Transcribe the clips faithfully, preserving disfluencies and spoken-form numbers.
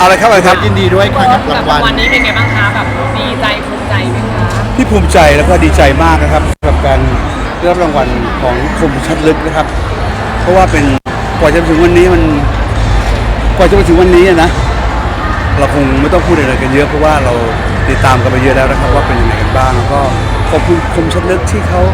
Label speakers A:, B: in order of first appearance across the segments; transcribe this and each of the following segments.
A: อะไรครับอะไรครับ
B: ยินดีด้วยครับกับรางวัล
C: วันนี้เป็นไงบ้างคะแบบดีใจภูมิใจไหมคะ
A: ที่ภูมิใจแล้วก็ดีใจมากนะครับกับการได้รับรางวัลของคมชัดลึกนะครับ เพราะว่าเป็นกว่าจะถึงวันนี้มันกว่าจะมาถึงวันนี้นะเราคงไม่ต้องพูดอะไรกันเยอะเพราะว่าเราติดตามกันไปเยอะแล้วนะครับว่าเป็นยังไงกันบ้างแล้วก็ขอบคุณคมชัดลึกที่เขา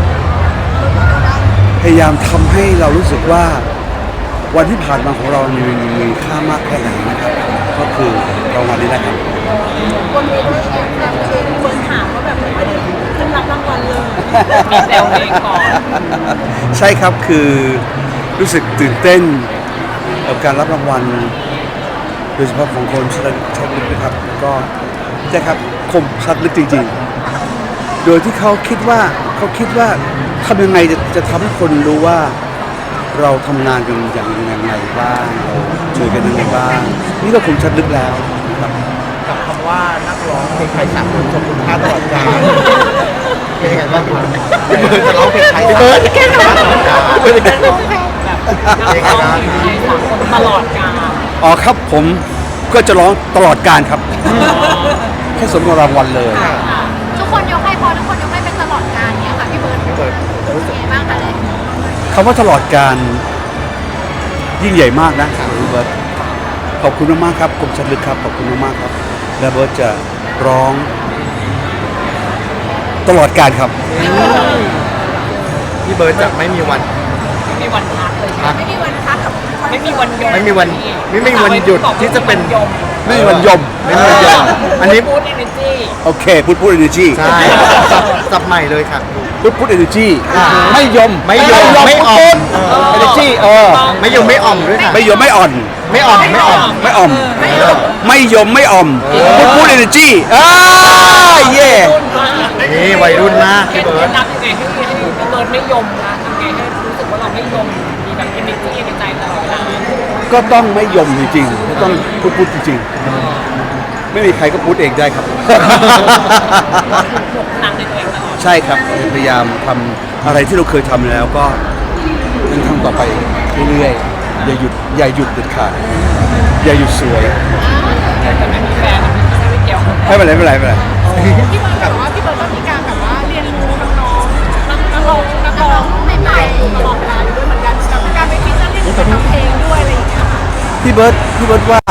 A: พยายามทำให้เรารู้สึกว่าวันที่ผ่านมาของเรามีมีค่ามากแค่ไหนนะครับก็คือรางวัลนี้แหละครับ
D: คนมีด้วยแอบแบบคนถามว่าแบบไม่ได้ขึ้นรับรางวัลเลย
C: มีแซวเองก่อน
A: ใช่ครับคือรู้สึกตื่นเต้นกับการรับรางวัลโดยเฉพาะของคนชัดลึกนะครับแล้วก็ใช่ครับคมชัดลึกจริงๆโดยที่เขาคิดว่าเขาคิดว่าทำยังไงจะจะทำให้คนรู้ว่าเราทำงานกันอย่างยังไงบ้างเราช่วยกันยังไงบ้างนี่ก็คมชัดลึกแล้วนะครับ
B: กับคำว่านักร้องเพลงไทยสากลทรงคุณค่าตลอดกาลเป็นยังไงบ้างพี่เบิร์ดจะร้องเพลงไทยพี่เบิร์ดแค่ไหนตลอดกาล
C: แบบนักร้องเพลงไทยสากลตลอดกาล
A: อ๋อครับผมก็จะร้องตลอดการครับแค่สมกับรางวัลเลย
D: ทุกคนยกให้พอทุกคนยกให้เป็นตลอดการเนี้ยค่ะพี่เบิร์ดพี่เบิร์ดรู้สึกยังไงบ้างคะเลย
A: คำว่าตลอดการยิ่งใหญ่มากนะพี่เบิร์ตขอบคุณมากๆครับคมชัดลึกครับขอบคุณมากๆครับและเบิร์ตจะร้องตลอดการครับ
B: พี่เบิร์ดจะไม่มีวัน
C: ไม่มีวันพักเลย
D: ไม่มีวันพักกับ
C: ไม่มีวันยม
B: ไม่มีวันไม่มีวันหยุดที่จะเป็น
A: ไม่มีวันยม
B: ไม่มีวันยมอันนี้
C: พูดเอเนจี
A: โอเคพูดพูดเอเนจี
B: ใช่สับใหม่เลยครับ
A: พูดพูดเอเนจีไม่ยม
B: ไม่ยมไม่อ่อน
A: เอเนจีเออ
B: ไม่ยมไม่อ่อมด้วย
A: ไม่ยมไม่อ่อน
B: ไม่อ่อนไม่อ่อม
A: ไม่อ่อมไม่ยมไม่อ่อมพูดพูดเอเนจีอ่าเย่
B: นี่วัยรุ่นมากพี่เบิร์ด
C: นับยังไงให้ให้พี่เบิร์ดไม่ยมนะทำไงให้รู้สึกว่าเราไม่ยมมีแบบเอเนจีในใจตลอดเวลา
A: ก็ต้องไม่ยมจริงๆก็ต้องพูดพูดจริงๆไม่มีใครก็พูดเองได้ครับใช่ครับพยายามทำอะไรที่เราเคยทำแล้วก็ยังทำต่อไปเรื่อยๆอย่าหยุดอย่าหยุดเด็ดขาดอย่าหยุดสวย
C: แต่ไม่มีแฟนไม่เกี่ยว
A: ไม่เป็นไรไม่เป็นไรไม่เป็นไร
D: พี่เบิร์ดแบบว่าพี่เบิร์ดก็มีการแบบว่าเรียนรู้น้องๆนักร้องนักร้องใหม่ๆตลอดเวลาอยู่ด้วยเหมือนกันกับการไปฟีเจอริ่งกับทำเพลงด้วยอะไรอย่างเงี้ยค่ะ
A: พี่เบิร์ดพี่เบิร์ดว่า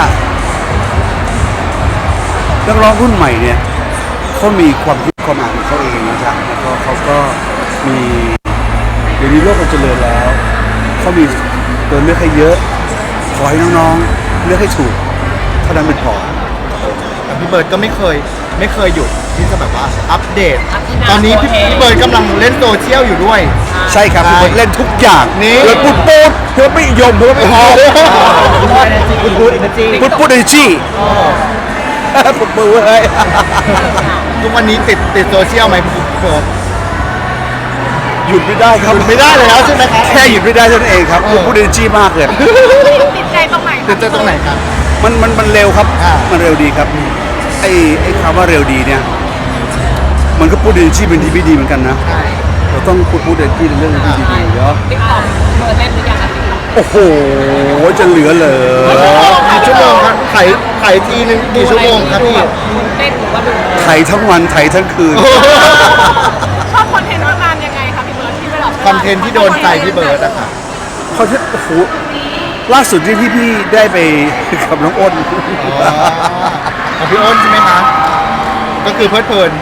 A: นักร้องรุ่นใหม่เนี่ยเขามีความคิดความอ่านของเขาเองนะครับแล้วก็เขาก็มีเดี๋ยวนี้โลกมันเจริญแล้วเขามีตัวเลือกให้เยอะขอให้น้องๆเลือกให้ถูกเท่านั้นเป็นพอ
B: แต่พี่เบิร์ดก็ไม่เคยไม่เคยหยุดที่จะแบบว่าอัปเดตตอนนี้พี่พี่เบิร์ดกำลังเล่นโซเชียลอยู่ด้วย
A: ใช่ครับพี่เบิร์ดเล่นทุกอย่าง
B: นี่
A: เพื่อพูดปูดเพื่อไม่ยมเพื่อไม่พอ
B: พูดพูดเอเนจี
A: พูดพูดเอเนจีปลุกมือเลย
B: ทุกวันนี้ติดติดโซเชียลไหมพี่เบิร์ด
A: หยุดไม่ได้ครับ
B: หยุดไม่ได้เลยแล้วใช่ไหมครับ
A: แค่หยุดไม่ได้เท่านั้นเองครับพูดเอเนจีมากเลย
D: ติดใจตรงไหน
B: ติดใจตรงไหนครับ
A: มันมันมันเร็วครับมันเร็วดีครับไอ้ไอ้คำว่าเร็วดีเนี่ยมันก็พูดเอเนจีเป็นที่ไม่ดีเหมือนกันนะเราต้องพูดพูดเอเนจีในเรื่องที่ดีๆเนาะ
C: ติ๊กต็อกเบอร์เล่นหรือยังคะ
A: โอ้โหจะเหลือเลย
B: กี่ชั่วโมงครับไถไถทีนึงกี่ชั่วโมงครับพี่
C: เล่นหรือว่าดู
A: ไถทั้งวันไถทั้งคืน
D: ชอบคอนเทนต์งานยังไงคะพี่เบิร์ดที่เวลา
B: คอนเทนต์ที่โดนใจพี่เบิร์ดอะค่ะ
A: คอนเทนต์โอ้โหล่าสุดที่พี่พี่ได้ไปกับน้องอ้น
B: ของพี่อ้นใช่ไหมคะก็คือเพลิดเพลิน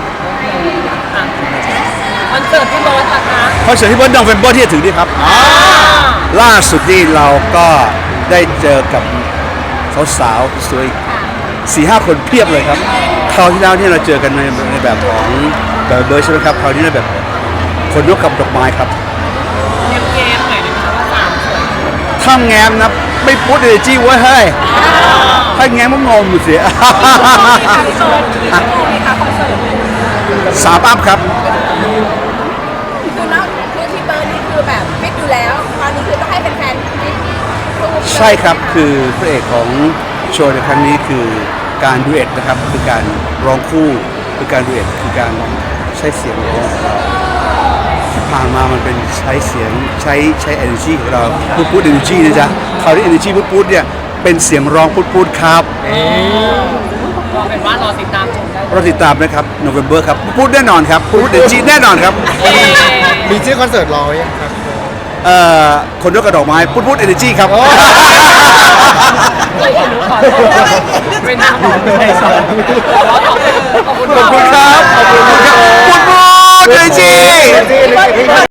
C: คอนเสิร์ตที่โรสนะคะ
A: คอนเสิร์ตที่เบิร์ดนองเฟมเบอร์ที่จะถึงนี่ครับล่าสุดนี่เราก็ได้เจอกับสาวๆสวยสี่ห้าคนเพียบเลยครับคราวที่แล้วเนี่ยเราเจอกันในในแบบของแบบเบอร์ใช่ไหมครับคราวนี้ในแบบคนยกกับดอกไม้ครับ
C: แง้มแง้มหน่อยนะคะว่าสามสวย
A: ถ้าแง้มนะไม่พูดเอเนจีไว้เฮ้ยถ้าแง้มมันงงอยู่เสียสามอัพครับ
D: คือแล้วคือที่เบิร์ดนี่คือแบบฟิตอยู่แล้วตอนนี้คือต้องให้เป็นแฟน
A: ใช่ครับคือพระเอกของโชว์ในครั้งนี้คือการดูเอทนะครับคือการร้องคู่คือการดูเอทคือการใช้เสียงร้องที่ผ่านมามันเป็นใช้เสียงใช้ใช้ energy ของเราพูดพูด energy นะจ๊ะคราวนี้ energy พูดพูดเนี่ยเป็นเสียงร้องพูดๆครับ
C: ก็เป็นว่ารอติดตามชมได้
A: เราติดตามนะครับโนเวมเบอร์ครับพูดแน่นอนครับพูดเดจีแน่นอนครับ
C: เอ๊ะ
B: มีชื่อคอนเสิร์ตรอไว้ยังครับ
A: เอ่อคนยกกระดอกไม้พูดพูดเอเนจีครับ
C: ไม่เห็นขอโทษเป็นน้ำของไทยสอนขอบคุณ
A: ขอบคุณครับขอบคุณครับพูดพูดเอเนจี